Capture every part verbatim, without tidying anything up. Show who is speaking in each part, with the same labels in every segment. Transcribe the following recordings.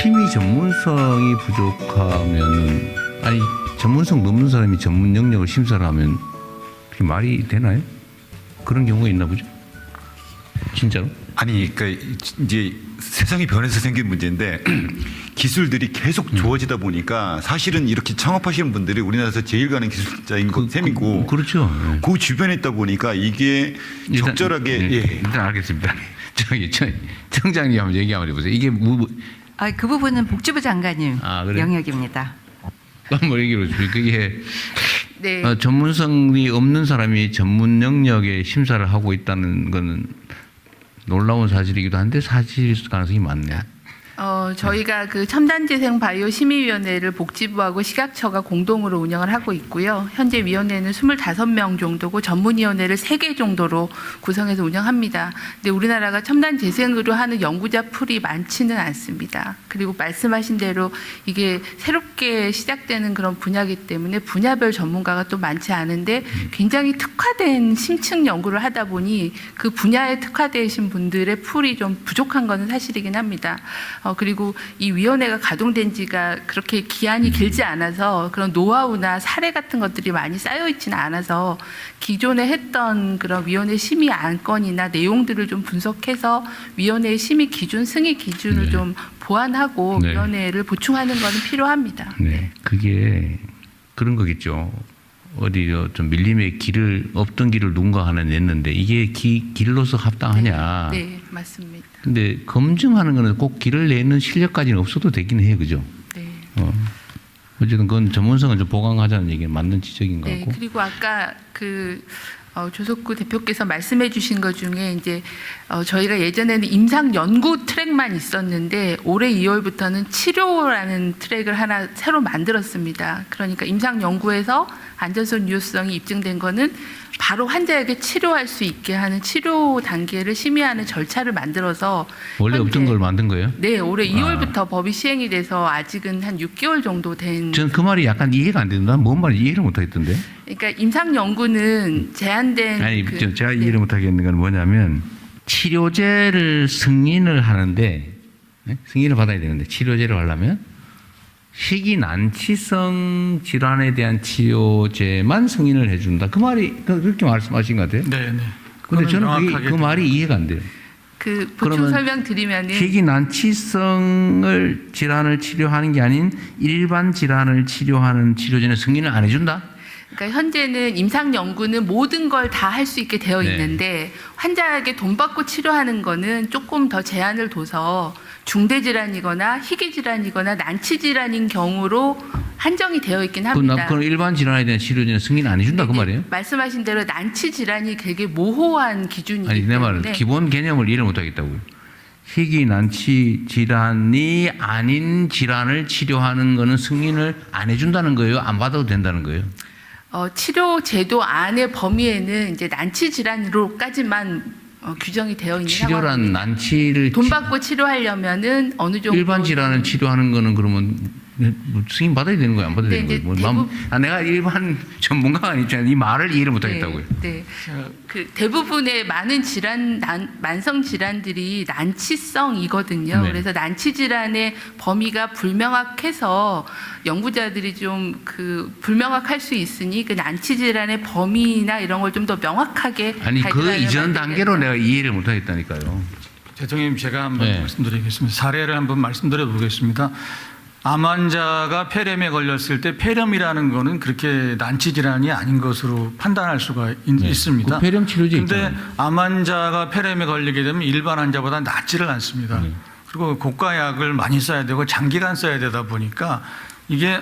Speaker 1: 심의 전문성이 부족하면 아니 전문성 넘는 사람이 전문 영역을 심사를 하면 그게 말이 되나요? 그런 경우가 있나 보죠. 진짜로?
Speaker 2: 아니, 그러니까 이제 세상이 변해서 생긴 문제인데 기술들이 계속 좋아지다 보니까 사실은 이렇게 창업하시는 분들이 우리나라에서 제일 가는 기술자인 것
Speaker 1: 그,
Speaker 2: 셈이고,
Speaker 1: 그, 그렇죠. 네.
Speaker 2: 그 주변에 있다 보니까 이게
Speaker 1: 일단,
Speaker 2: 적절하게
Speaker 1: 네,
Speaker 2: 예.
Speaker 1: 일단 알겠습니다. 저기 청- 청장님 한번 얘기 한번 해보세요. 이게 뭐,
Speaker 3: 아, 그 부분은 복지부 장관님
Speaker 1: 아, 그래요?
Speaker 3: 영역입니다.
Speaker 1: 한번 얘기해 보세요. 그게
Speaker 3: 네.
Speaker 1: 어, 전문성이 없는 사람이 전문 영역에 심사를 하고 있다는 거는 놀라운 사실이기도 한데 사실 가능성이 많네요.
Speaker 4: 어, 저희가 그 첨단재생 바이오 심의위원회를 복지부하고 식약처가 공동으로 운영을 하고 있고요. 현재 위원회는 스물다섯 명 정도고 전문위원회를 세 개 정도로 구성해서 운영합니다. 근데 우리나라가 첨단재생으로 하는 연구자 풀이 많지는 않습니다. 그리고 말씀하신 대로 이게 새롭게 시작되는 그런 분야이기 때문에 분야별 전문가가 또 많지 않은데 굉장히 특화된 심층 연구를 하다 보니 그 분야에 특화되신 분들의 풀이 좀 부족한 것은 사실이긴 합니다. 어, 그리고 이 위원회가 가동된 지가 그렇게 기한이 길지 않아서 그런 노하우나 사례 같은 것들이 많이 쌓여 있지는 않아서 기존에 했던 그런 위원회 심의 안건이나 내용들을 좀 분석해서 위원회의 심의 기준, 승인 기준을
Speaker 1: 네.
Speaker 4: 좀 보완하고
Speaker 1: 네.
Speaker 4: 위원회를 보충하는 것은 필요합니다.
Speaker 1: 네, 그게 그런 거겠죠. 어디 좀 밀림의 길을 없던 길을 누군가 하나 냈는데 이게 기, 길로서 합당하냐?
Speaker 4: 네, 네, 맞습니다.
Speaker 1: 근데 검증하는 거는 꼭 길을 내는 실력까지는 없어도 되긴 해요, 그죠?
Speaker 4: 네.
Speaker 1: 어. 어쨌든 그건 전문성은 좀 보강하자는 얘기는 맞는 지적인 것
Speaker 4: 네,
Speaker 1: 같고.
Speaker 4: 그리고 아까 그 어, 조석구 대표께서 말씀해 주신 것 중에 이제 어, 저희가 예전에는 임상 연구 트랙만 있었는데 올해 이월부터는 치료라는 트랙을 하나 새로 만들었습니다. 그러니까 임상 연구에서 안전성 유효성이 입증된 거는 바로 환자에게 치료할 수 있게 하는 치료 단계를 심의하는 절차를 만들어서
Speaker 1: 원래 없던
Speaker 4: 현재-
Speaker 1: 걸 만든 거예요?
Speaker 4: 네, 올해
Speaker 1: 아.
Speaker 4: 이월부터 법이 시행이 돼서 아직은 한 육 개월 정도 된.
Speaker 1: 저는 그 말이 약간 이해가 안 된다. 뭔 말인지 이해를 못 하겠던데.
Speaker 4: 그러니까 임상 연구는 제한된.
Speaker 1: 아니,
Speaker 4: 그-
Speaker 1: 저- 제가
Speaker 4: 네.
Speaker 1: 이해를 못 하겠는 건 뭐냐면 치료제를 승인을 하는데 네? 승인을 받아야 되는데 치료제를 하려면 희귀 난치성 질환에 대한 치료제만 승인을 해준다. 그 말이 그- 그렇게 말씀하신 것 같아요.
Speaker 5: 네, 네.
Speaker 1: 근데 저는 그게,
Speaker 5: 명확하게
Speaker 1: 그 말이 이해가 안 돼요.
Speaker 4: 그 보충
Speaker 1: 그러면
Speaker 4: 설명 드리면은
Speaker 1: 희귀 난치성을 질환을 치료하는 게 아닌 일반 질환을 치료하는 치료제는 승인을 안 해준다.
Speaker 4: 그러니까 현재는 임상 연구는 모든 걸 다 할 수 있게 되어
Speaker 1: 네.
Speaker 4: 있는데 환자에게 돈 받고 치료하는 거는 조금 더 제한을 둬서 중대 질환이거나 희귀 질환이거나 난치 질환인 경우로 한정이 되어 있긴
Speaker 1: 그,
Speaker 4: 합니다.
Speaker 1: 나- 그럼 일반 질환에 대한 치료제는 승인 안 해준다 그
Speaker 4: 근데
Speaker 1: 말이에요?
Speaker 4: 말씀하신 대로 난치 질환이 되게 모호한 기준이기
Speaker 1: 아니 내
Speaker 4: 때문에
Speaker 1: 말은 기본 개념을 이해를 못 하겠다고요. 희귀 난치 질환이 아닌 질환을 치료하는 거는 승인을 안 해준다는 거예요? 안 받아도 된다는 거예요?
Speaker 4: 어, 치료 제도 안의 범위에는 이제 난치 질환으로까지만 어, 규정이 되어 있는
Speaker 1: 치료란
Speaker 4: 상황입니다.
Speaker 1: 난치를
Speaker 4: 돈
Speaker 1: 치-
Speaker 4: 받고 치료하려면은 어느 정도
Speaker 1: 일반 질환을 치료하는 거는 그러면 뭐 승인 받아야 되는 거예요? 안 받아야
Speaker 4: 네,
Speaker 1: 되는 거예요?
Speaker 4: 이제
Speaker 1: 뭐 남-
Speaker 4: 대부분-
Speaker 1: 아, 내가 일반 전문가가 아니잖아요. 이 말을 이해를 못 하겠다고요.
Speaker 4: 네, 네. 그 대부분의 많은 질환, 난, 만성 질환들이 난치성이거든요.
Speaker 1: 네.
Speaker 4: 그래서 난치 질환의 범위가 불명확해서 연구자들이 좀 그 불명확할 수 있으니 그 난치 질환의 범위나 이런 걸 좀 더 명확하게
Speaker 1: 아니 그
Speaker 4: 가이드라인을
Speaker 1: 이전
Speaker 4: 만들게
Speaker 1: 단계로
Speaker 4: 해서.
Speaker 1: 내가 이해를 못 하겠다니까요.
Speaker 5: 대통령님 제가 한번
Speaker 1: 네.
Speaker 5: 말씀드리겠습니다. 사례를 한번 말씀드려 보겠습니다. 암 환자가 폐렴에 걸렸을 때 폐렴이라는 거는 그렇게 난치 질환이 아닌 것으로 판단할 수가 있,
Speaker 1: 네.
Speaker 5: 있습니다.
Speaker 1: 그 폐렴 치료제
Speaker 5: 근데
Speaker 1: 있잖아요.
Speaker 5: 암 환자가 폐렴에 걸리게 되면 일반 환자보다 낫지를 않습니다.
Speaker 1: 네.
Speaker 5: 그리고 고가약을 많이 써야 되고 장기간 써야 되다 보니까 이게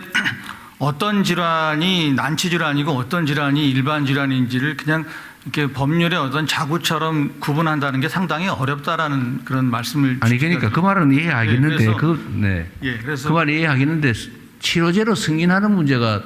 Speaker 5: 어떤 질환이 난치 질환이고 어떤 질환이 일반 질환인지를 그냥 이렇게 법률의 어떤 자구처럼 구분한다는 게 상당히 어렵다라는 그런 말씀을
Speaker 1: 아니 그러니까 그 말은 이해하겠는데
Speaker 5: 네, 그래서-
Speaker 1: 그 네.
Speaker 5: 예, 그래서
Speaker 1: 그 말 이해하겠는데 치료제로 승인하는 문제가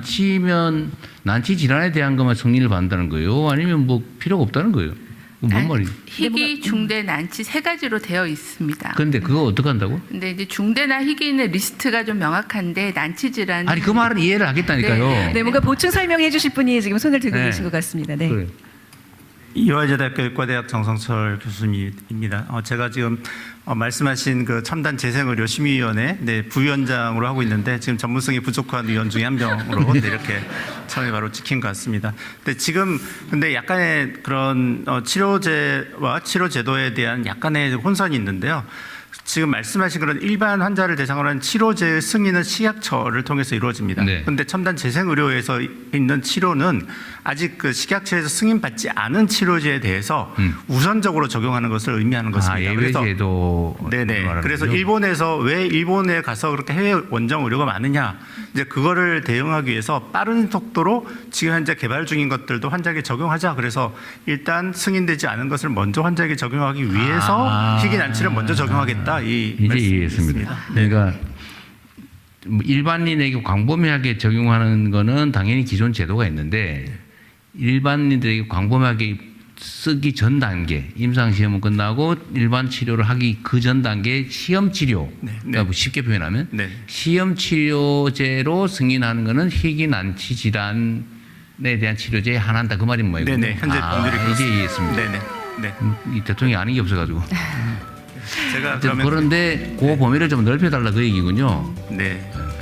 Speaker 1: 난치면 난치 질환에 대한 것만 승인을 받는다는 거예요? 아니면 뭐 필요가 없다는 거예요? 뭔
Speaker 4: 아니,
Speaker 1: 말이에요?
Speaker 4: 희귀, 중대, 난치 세 가지로 되어 있습니다.
Speaker 1: 근데 그거 어떻게 한다고?
Speaker 4: 근데 이제 중대나 희귀는 리스트가 좀 명확한데 난치 질환
Speaker 1: 아니 그 말은 이해를 하겠다니까요.
Speaker 4: 네,
Speaker 3: 네, 뭔가 보충 설명해 주실 분이 지금 손을 들고
Speaker 1: 네.
Speaker 3: 계신 것 같습니다. 네.
Speaker 1: 그래.
Speaker 6: 이화여자대학교 의과대학 정성철 교수님입니다. 어, 제가 지금 어, 말씀하신 그 첨단 재생의료 심의위원회 네, 부위원장으로 하고 있는데 지금 전문성이 부족한 위원 중에 한 명으로 네, 이렇게 처음에 바로 찍힌 것 같습니다. 근데 지금 근데 약간의 그런 어, 치료제와 치료 제도에 대한 약간의 혼선이 있는데요. 지금 말씀하신 그런 일반 환자를 대상으로 한 치료제의 승인은 식약처를 통해서 이루어집니다.
Speaker 1: 네.
Speaker 6: 그런데 첨단 재생의료에서 있는 치료는 아직 그 식약처에서 승인받지 않은 치료제에 대해서
Speaker 1: 음.
Speaker 6: 우선적으로 적용하는 것을 의미하는
Speaker 1: 아,
Speaker 6: 것입니다. 그래서
Speaker 1: 예외제도.
Speaker 6: 네네.
Speaker 1: 말하는
Speaker 6: 그래서
Speaker 1: 거죠?
Speaker 6: 일본에서 왜 일본에 가서 그렇게 해외 원정 의료가 많으냐, 이제 그거를 대응하기 위해서 빠른 속도로 지금 현재 개발 중인 것들도 환자에게 적용하자. 그래서 일단 승인되지 않은 것을 먼저 환자에게 적용하기 위해서
Speaker 1: 아.
Speaker 6: 희귀 난치를 먼저 적용하겠다. 이
Speaker 1: 이제
Speaker 6: 말씀이
Speaker 1: 이해했습니다.
Speaker 6: 있습니다. 네.
Speaker 1: 그러니까 뭐 일반인에게 광범위하게 적용하는 거는 당연히 기존 제도가 있는데 일반인들에게 광범위하게 쓰기 전 단계, 임상 시험은 끝나고 일반 치료를 하기 그 전 단계 시험 치료.
Speaker 6: 네, 네.
Speaker 1: 그러니까 뭐 쉽게 표현하면
Speaker 6: 네.
Speaker 1: 시험 치료제로 승인하는 거는 희귀 난치 질환에 대한 치료제에 한한다 그 말인 뭐예요?
Speaker 6: 네네. 현재
Speaker 1: 아,
Speaker 6: 법률이
Speaker 1: 이제
Speaker 6: 그렇습니다.
Speaker 1: 이해했습니다.
Speaker 6: 네네. 네.
Speaker 1: 음, 이 대통령이 아는 게 없어가지고.
Speaker 6: 제가
Speaker 1: 어쨌든
Speaker 6: 그러면
Speaker 1: 그런데 그 범위를 좀 넓혀달라 그 얘기군요.
Speaker 6: 네.